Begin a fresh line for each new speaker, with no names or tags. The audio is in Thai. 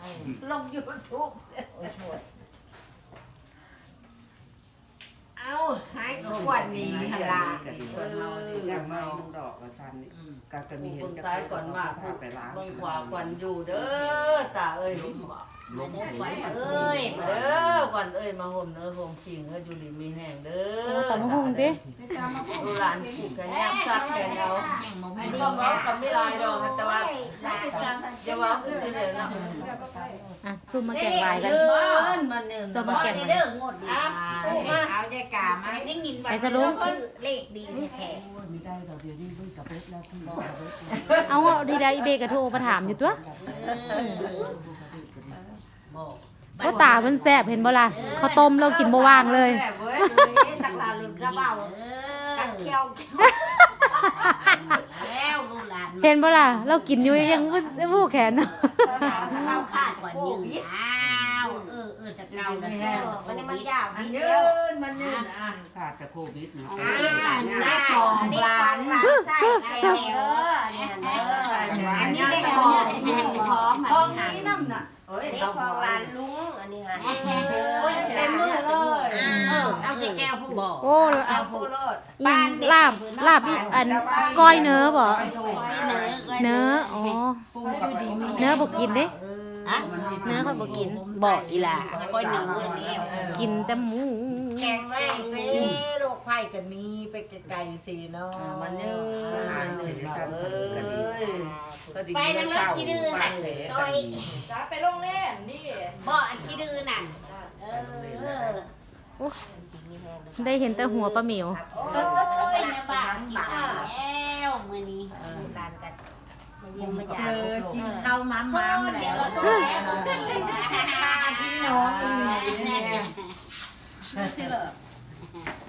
ลงยูทูบเอาหายกวนนี้ฮะล่ะ
อย่างเมาดอกละชันนี่ก็มีเห็นซ้ายก่อนมากไปล้าง
เบิ่งขวาควันอยู่เด้อตาเอ้ยล้มขวัญเอ้ยมาเด้อขวัญเอ้ยมาห่มเนื้อห่มขิงเอ้ยอยู่ดีมีแห้งเด้อ
ตำมะฮุ่งดิ
ดูหลานผูกกันย่างซักแกงเอาอันนี้ก็บอกกับไม่ลายดอกแต่ว่าจะว่าคือสิเด้อเนาะ
อ่ะซุ่มมาแกงลายกัน
มันเนี่ย
ซุ่มมาแกงมัน
เอาใจกามาได้ยิน
ไปสรุป
เลขดีแท้
มีได้ดอกเดียวนี่ด้วยกับเบ็ดแล้วที่
เอาดีได้อีเบกระโทรมาถามอยู่ตัวก็ตามันแซ่บเห็นบ่ล่ะข้าวต้มเรากินบ่ว่างเลย
จักลาลืมกระเป๋า
กันเคี้ยวแล้วลูกหลาน
เห็นบ่ล่ะเรากินอยู่ยังผู้แขนเนาะ
เราขาดก่อนยืนอ้าวจะเก่าแล้วมันยาว
มันยืนมันยืนอ่ะ
ขาดจากโควิดเนาะ
ได้2 ล้านใช่อันนี้ได้พร้อม
ทองนี้น้ำน่ะโอ้ย
ได้ของร้านลุงอันนี้ค่ะ
เต็มมือเลย
เอาแต่แก้วผู้บอก
โอ้
เอาผู้รอด
ลาบอันก้อยเนื้อบ่เนื้ออ๋อ
ปุ้งกับดีมี
เนื้อบ่กินเด้
เนื้อ
เนื้อค่อยบ่กิน
บอกอีหล่ะก้อยหนึ่งเงินนี่
กินแต่หมู
แกงแรงสิโรคไผ่กันนี้ไปไกลๆสิเนาะ
มันยืนมันยืนเอ้ย
ไปนั่งเล่นขี้ดื้อหันซอย
จ้าไปโรงเล่นนี่
บ่อันขี้ดื้อนั่น
ได้เห็นแต่หัวปลาหมิว
โอ้ยในบ้านกินแล้วมื้อนี้ร้านกันเจอกินข้าวม้ามๆเดี๋ยวเราจะพี่น้องอีก